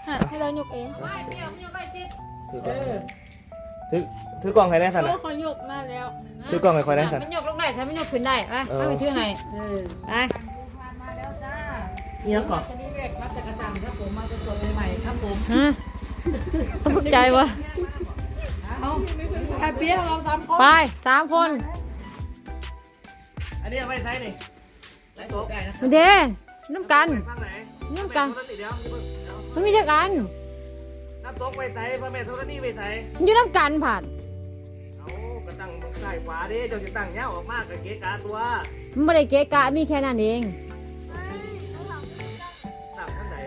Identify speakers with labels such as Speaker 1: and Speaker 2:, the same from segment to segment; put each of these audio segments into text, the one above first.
Speaker 1: ให้เราหยกเอง
Speaker 2: ไม่เปรี้ยวมันอยู่ใกล้จิต
Speaker 3: ถือกล่องให้ได้สัน
Speaker 1: โอ้
Speaker 3: นะ
Speaker 1: เขาหยกมาแล้ว
Speaker 3: ถือกล่องให้คอยได้สัน
Speaker 2: มันยกลงได้ถ้ามันยกขึ้นได้ไปเอาไปชื่อให้ไป
Speaker 1: มาแล้วจ้า
Speaker 3: เนี่ยก่อน
Speaker 1: ชนิดเล็กมาจากกระจังครับผมมาสดๆใหม่ๆครับผม
Speaker 2: ฮะต้องใจวะ
Speaker 1: ไอเปี๊ยกเรา3 คน
Speaker 2: ไป3 คน
Speaker 3: อันนี้เอาไว้ใช้นี่ใช้โต๊ะ
Speaker 2: มาเด้น้ำกัน
Speaker 3: ข้างไหน
Speaker 2: น้ำกัน
Speaker 3: เดี๋ยว
Speaker 2: มันมีจักกัน
Speaker 3: น้ำโต๊ะไว้ใช้พ่อแม่โทรนี่ไว้ใช้
Speaker 2: มันอยู่น้ำกันผ่าน
Speaker 3: เอากระตั้งใส่ขวาดิเจ้าจะตั้งเงี้ยออกมากกับเก๊กาตัว
Speaker 2: มันไม่ได้เกะกะมีแค่นั้นเอง
Speaker 3: ตั้งข้างไหน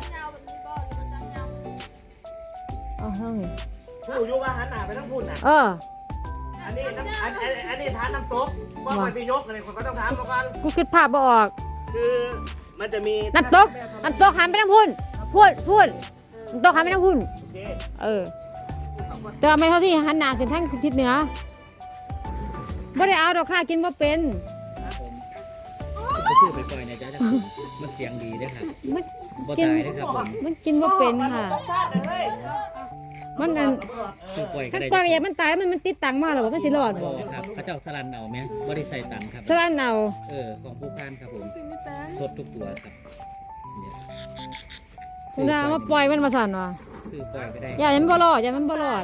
Speaker 2: เอาเฮ้ย
Speaker 3: ผู้ยุกอาหารหนาไปทั้งพุ่นน่ะ อันนี้น้ำอันนี้ทานน้ำต๊กว่ามันจะยกอะไรคนก็ต้องถามมาก่อน
Speaker 2: กูคิดภาพบ่ออก
Speaker 3: คือมันจะมี
Speaker 2: น้ำตกหันไปทางพุ่นพูดน้ำตกหันไปทางพุ่น
Speaker 3: โอเค
Speaker 2: แต่ว่าไม่เท่าที่หันหน้าขึ้นทางทิศเหนือไม่ได้เอาดอกค่ะกินบ่เป็น
Speaker 4: ไปซื้อไปปล่อยเนี่ยจ้ามันเสียงดีด้วยครับ
Speaker 2: มัน
Speaker 4: บ่
Speaker 2: กิน
Speaker 4: ตายด้วยครับผม
Speaker 2: มันกินบ่เป็นค่ะ มันนั่น
Speaker 4: ซื้อปล่อยก็
Speaker 2: ขั้น
Speaker 4: ได้
Speaker 2: ปลาอยากมันตายแล้วมันติดตังมาหรอว่ามันสิรอด
Speaker 4: บ่
Speaker 2: บ่
Speaker 4: ครับเขาเจ้าสลันเอาไหมบ่ได้ใส่ตังค์ครับ
Speaker 2: สลันเอา
Speaker 4: ของผู้ค้านครับผมสดทุกตัวครับเนี่ย
Speaker 2: คุณดามาปล่อยมันมาสั่นว่ะ
Speaker 4: ซื้อปล่อยก็ได้
Speaker 2: อย่ามันบ่รอดอย่ามันบ่รอด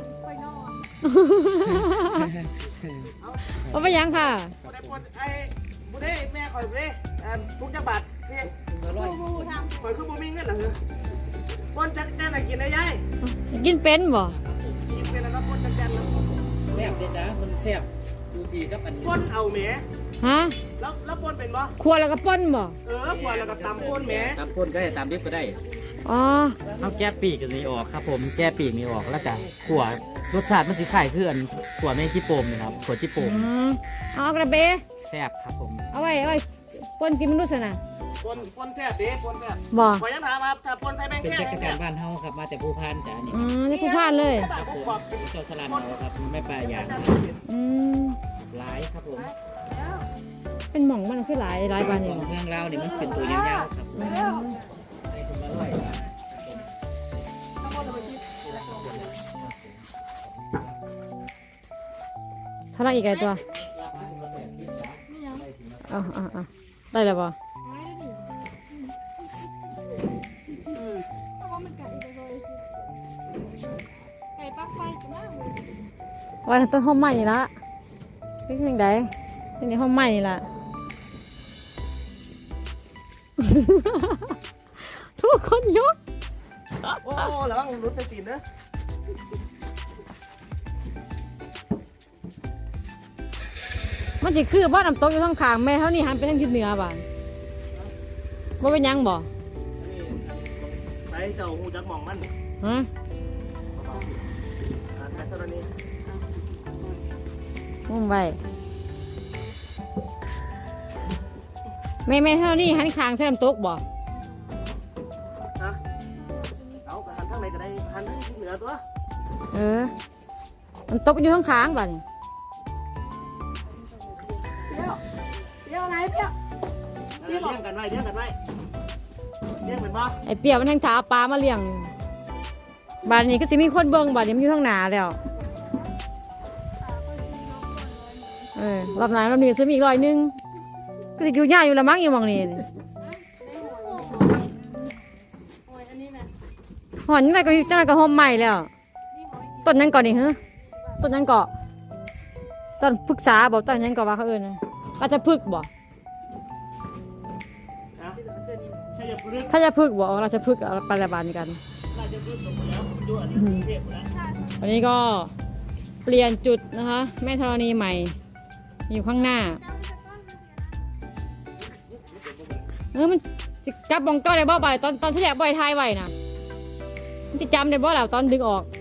Speaker 2: เอาไปยังค่ะ
Speaker 3: บุได้ปนไอ้บุได้แม่คอยบุได้ทุกจังหวัดเพียงคอยคือบุมีเงินเหรอปนจัดการอะไรกินได้ยัย
Speaker 2: กินเป็นบ่
Speaker 3: กินเป็นแล้วปนจัดการแล้ว
Speaker 4: แซ่บเลยจ้ามันแซ่บซูซีกับอัน
Speaker 3: ปนเอาแหม
Speaker 2: ฮะ
Speaker 3: แล้วปนเป็นบ่
Speaker 2: ครัวแล้วก็ป่นบ่
Speaker 3: ปนแล้วก็ตำปนแหม
Speaker 4: ตามพ่นก็ได้ตามดิบก็ได้
Speaker 2: อ๋อ
Speaker 4: เอาแก้ปีกนี้ออกครับผมแก้ปีกนี้ออกแล้วจ้ะขั่วรสชาติมันสิคล้ายคืออันขั่วแมงจีโปมนี่ครับขั่วจีโปม
Speaker 2: เอากระเบ
Speaker 4: แซ่บครับผม
Speaker 2: เอาไว้ป่นกินมันรู้สึกนะ
Speaker 3: ปนแซ่บดิปนแซ่บ
Speaker 2: บ่
Speaker 3: ขอยังถามครับถ้าปนใส่แบง
Speaker 4: เป็น
Speaker 3: แค่
Speaker 4: จักร
Speaker 3: เนี่
Speaker 4: จาย นบ้านเฮาครับมาจากภูพานจ้านี่
Speaker 2: นี่ผู้พานเลย
Speaker 4: ครับผมเจ้าสลันเอาครับไม่ปลาอย่าง
Speaker 2: อืม
Speaker 4: หลายครับผม
Speaker 2: เป็นหม่องมันคือหลายบาน
Speaker 4: ข
Speaker 2: นี่
Speaker 4: อง
Speaker 2: บ่
Speaker 4: เมืองเราเนี่ยมันเป็นตัวยาวๆครับ
Speaker 2: อืม
Speaker 4: ให้ผมอร่อยครับ
Speaker 2: เท่าไหร่อีกไอ้ตัวได้แล้วบ่ว่าต้นห้องใหม่นี่ละเป็นยังไงเป็นในห้องใหม่นี่ละทุกคนยก
Speaker 3: โอ้ระวังรุดใส่ตีนเนอะ
Speaker 2: มันจะคือบ้านน้ำตกอยู่ทางข้างแม่เท่านี้หันไปทางทิศเหนือบ้านว่าเป็นหยังบ่
Speaker 3: ไปเจ้าหูจักมองมัน
Speaker 2: ฮะ
Speaker 3: แค่ตัวนี้
Speaker 2: มุ่งไปแม่เท่านี้หันข้างใส่น้ำตกบ่
Speaker 3: ฮะเอาหันข้างในก็ได้หันที่เหนือตัว
Speaker 2: น้ำตกอยู่ทางข้างบ้าน
Speaker 1: เปี๊ยกอะไรเปี๊ยก
Speaker 3: เลี้ยงกันไว้เลี้ยงกันไว้เลี้ยงเป็นบ่
Speaker 2: ไอ้เปียกมันทางถาปลามาเลี้ยงบ้านนี้ก็สิมีคนเบิ่งบ้านนี้มันอยู่ทางหน้าแล้วรอบหน้ารอบนี้ซื้อมีอีก100ก็สิอยู่ยากอยู่ละมั้งอยู่หม่องนี้หอนยังไงก็จังไดก็ห่มใหม่แล้วต้นยังก่อนนี่ฮะต้นยังเกาะต้นพฤกษาบ่ต้นยังเกาะว่าเขาเอิ้นนะอาจจะพฤกษ์บ่
Speaker 3: ใช่จะพึ่ง
Speaker 2: ถ้าจะพฤกษ์บ่เราจะพฤกษ์ไปละบานกัน
Speaker 3: น่าจะพึ่งลงมาแล้วดูอันนี้เทพแล้ว
Speaker 2: วันนี้ก็เปลี่ยนจุดนะคะแม่ธรณีใหม่อยู่ข้างหน้ามันสิกลับบองก้อได้บ่บ่ายตอนที่แรกบ่อยทายไว้นะมันจะจำได้บ่แล้วตอนดึงออก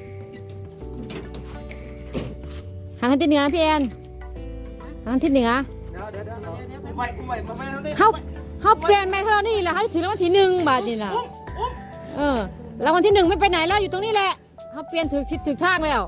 Speaker 2: หันทางทิศเหนือนะพี่แอนหันทางทิศเหนือ
Speaker 3: เดี๋ยวไว้เท่านี้
Speaker 2: เขาเปลี่ยนแม่ธรณีแล้วเขาถือรางวัลที่1บาทนี่นะรางวัลที่1ไม่ไปไหนแล้วอยู่ตรงนี้แหละเขาเปลี่ยนถือทิศถือทางแล้ว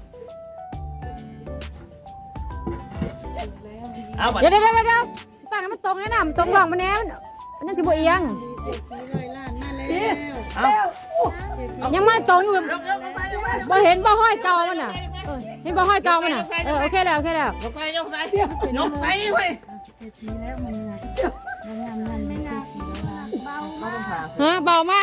Speaker 3: เอาบัตร
Speaker 2: เดี๋ยวตั้งให้มันตรงนะมันตรงหลังมันแน่มันยังสิบเอียง
Speaker 1: 100 ล้านมาแล้
Speaker 3: เอา
Speaker 2: ยังมาตรงอยู่
Speaker 3: ยกลงไปยกไป
Speaker 2: บ่เห็นบ่ห้อยเก่ามันน่ะเห็นบ่ห้อยเก่ามันน่ะโอเคแล้วโอเคแล้ว
Speaker 3: ยกไปยกไปยกไปเว้ย
Speaker 2: ฮะเบามาก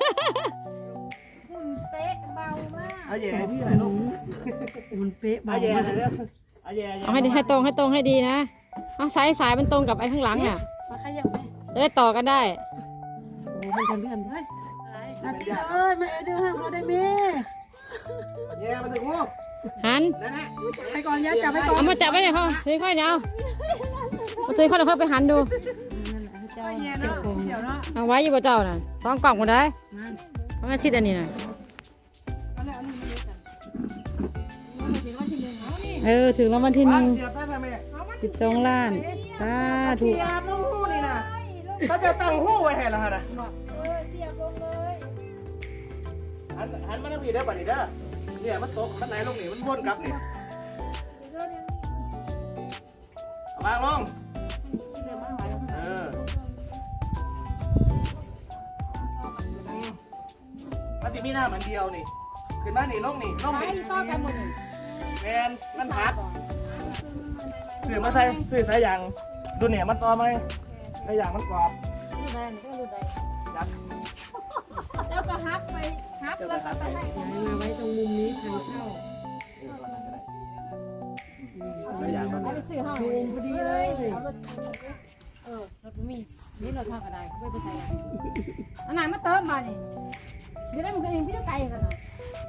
Speaker 3: เอาแย่ให้พี่หน่อยลูก
Speaker 1: มันเป๊ะ
Speaker 3: เอาแย่หน่อยเร็วเอาแย่
Speaker 2: เอาให้ตรงให้ดีนะเอาสายมันตรงกับไอ้ข้างหลังน่ะ
Speaker 1: มาขยับไหม
Speaker 2: จะได้ต่อกันได้
Speaker 1: โอ้มันจะเลื่อนเฮ้ยอาทิตย์เอ้ยมาเดือดห้ามเราได้ไหม
Speaker 3: แย่มาถึงหู
Speaker 2: หัน
Speaker 3: นั่นแหละ
Speaker 1: ไปก่อนย่าจับไปก่อน
Speaker 2: เอามาจับไว้เนี่ยพ่อถือค่อยเดี๋ยวเอาถือค่อยเดี๋ยวค่อยไปหันดู
Speaker 1: เจ้าเนาะเดี๋ยวเนาะ
Speaker 2: เอาไว้อยู่บ่เจ้าน่ะสองกล่องก็ได้เอามาซิดอันนี้น่ะ ถึงรางวัลที่
Speaker 3: บ้าน
Speaker 2: 1
Speaker 3: เสียบได้ไหมแม่
Speaker 2: 12 ล้านสาธุ
Speaker 3: เสียบลูกหูนี่นะเขาจะตั้งหูไว้ให้ละฮะนะหันมาทางพี่ได้ป่ะนี่เด้อเนี่ยมันตกมันไหลลงนี่มันวนกลับนี่เอาวางลงมันจะมีหน้ามันเดียวนี่ขึ้นมานี่ลงนี่ลงนี่
Speaker 2: ต่อกันหมดนี่
Speaker 3: แมนมันหักสื่อมาใส่สื่อสายยางดูเนี่ยมันต่อไหมสายยางมันกรอบยัด
Speaker 5: แล้วก็ฮักไปฮักแล้วก็ไปให้
Speaker 1: มาไว้ตรงมุมนี้ทางเข้า
Speaker 3: สายยางมัน
Speaker 2: ไปซื้อห้อง
Speaker 1: มุมพอดีเลย
Speaker 2: รถมีนี่รถทางกระไดเขาไปใช้อันไหนมาเติมมานี่เดี๋ยวได้มึงเองพี่จะไกลกันเนาะ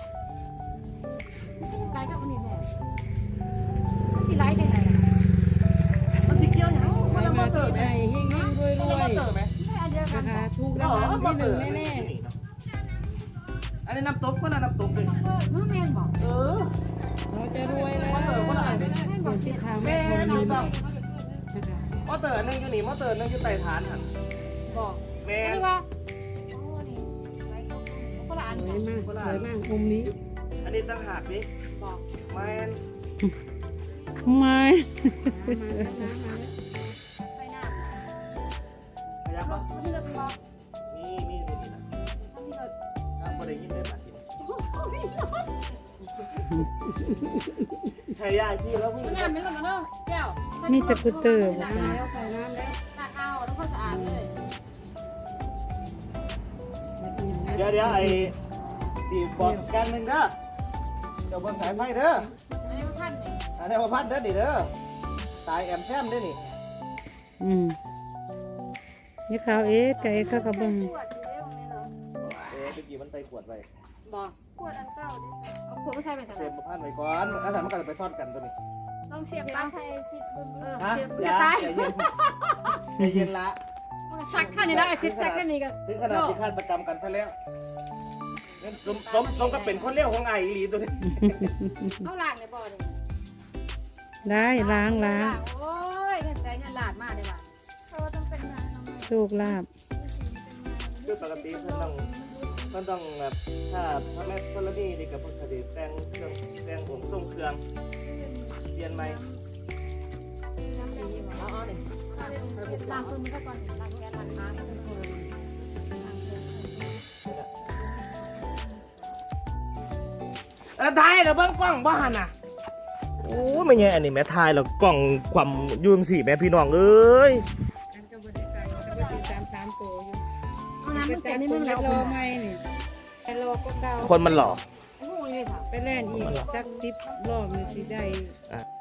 Speaker 2: พี่จะไกลกับคนนี้แน่ที่ไล่จังไหน
Speaker 3: มันติเกี่ยวยังมันละมาเติมไหม
Speaker 1: เฮงๆรวย
Speaker 3: มันละมาเติมไหม
Speaker 2: ไม่อันเดียวกัน
Speaker 1: ๆนะคะถูกรางวัลที่หนึ่งแน่
Speaker 3: อันนี้น้ำตกก็น่ะน้ำตกเลย
Speaker 2: น้องแมนบอก
Speaker 3: เออ
Speaker 1: ๆเราจะรวยแล้ว
Speaker 3: มาเติมก็น่ะ
Speaker 1: เดี๋ยวที่ทาง
Speaker 3: แม่
Speaker 1: แม่
Speaker 3: ถู
Speaker 1: มี
Speaker 3: กต้อง
Speaker 1: นะคะ
Speaker 3: มาเติมนึงอยู่นี่มาเติมนึงอยู่ใต้ฐานหัน
Speaker 2: บอก
Speaker 3: แม่
Speaker 2: อันนี้ว่าคนละอัน
Speaker 1: สวยมากสวยมากมุมนี้
Speaker 3: อันนี้ตั้งหากดิ
Speaker 2: บอก
Speaker 3: แมน
Speaker 2: ไม่ไปหน้า
Speaker 3: ขยับปะ
Speaker 2: ที่เราบอก
Speaker 3: นี่นะ
Speaker 2: ที่เรา
Speaker 3: ครับบ่ได้ยินได้ปะใช่ยาชีแล้วพี่
Speaker 2: น้ำไม่ลงกันเนาะแก้ว
Speaker 1: มีสกูตเตอร์
Speaker 2: ตั
Speaker 1: นะคะแล้วใส่น้ำแล้ว
Speaker 2: กเอาแล้วก็สะอาดเลย
Speaker 3: เดี๋ยวไอ้ตีบอกกันหนึ่งเด้อเดี๋ยวบนสายไฟเด้อ
Speaker 2: อันนี้มันพันนี่
Speaker 3: อันนี้มาพัดเด้อดิเด้อตายแอมแซมเด้อนี่
Speaker 1: นี่เขาเอ๊ะไก่ข้าวกระเบื้อง
Speaker 5: ขวดอยู่เรื่องนี้เหรอ
Speaker 3: เมื่อกี้มันไปขวดไป
Speaker 2: บอก
Speaker 5: ขวดอันเก่าดิ
Speaker 2: เอาขวดมาใส่ไปกัน
Speaker 3: เสียบมาพันไว้ก่อนอาสามันก็จะไปซ่อนกันตัวนี้
Speaker 5: ลองเสียบปลั๊กไฟสิบึ้ม
Speaker 3: ฮะอย่าใจเย็นใจเย็นละ
Speaker 2: มันก็ซักข้างนี้แล้วไอ้ซิดซักข้างนี้ก็
Speaker 3: ถึงขนาดที่ฆาตกรรมกันซะแล้วสมก็เป็นคนเลี้ยวของไอ้อีหลีตัวนี้
Speaker 2: เอาล้างในบ่อเลย
Speaker 1: ได้ล้าง
Speaker 2: โอ้ยเงินใจเงินหลาดมากเลยว่ะ
Speaker 5: เขาต้องเป็นงานน้อง
Speaker 1: โชคลาภ
Speaker 3: คือปกติเพิ่นต้องแบบถ้าแม่กรณีนี่กับพวกคดีแต่งเครื่องแต่งองค์ทรงเครื่องเปลี่ยนใหม่
Speaker 2: เอาหนึ่งล้างคนมันก็ก่อนล้างแกนล้างน้ำก็เป็นคน
Speaker 3: ทายแล้วเบิ้งกล้องบ้านน่ะโอ้ไม่ไงอันนี้แม่ทายแล้วกล้องความยุ่งสี่แม่พี่น้องเอ้ย
Speaker 1: อันก็บริการก็บริการ3ตัวอยู่
Speaker 2: เอาน้ำมัน
Speaker 1: แต่
Speaker 2: แต่
Speaker 1: นี่
Speaker 2: นี่
Speaker 1: มั
Speaker 2: มัน น
Speaker 1: แล้
Speaker 2: แล้ว ว
Speaker 1: รอไม่นี่แต่รอก็เก่า
Speaker 3: คนมันหล่อ
Speaker 2: ไอ้หูนี่ค่ะ
Speaker 1: ไปแล่นอีกสัก10 รอบนี่สิได้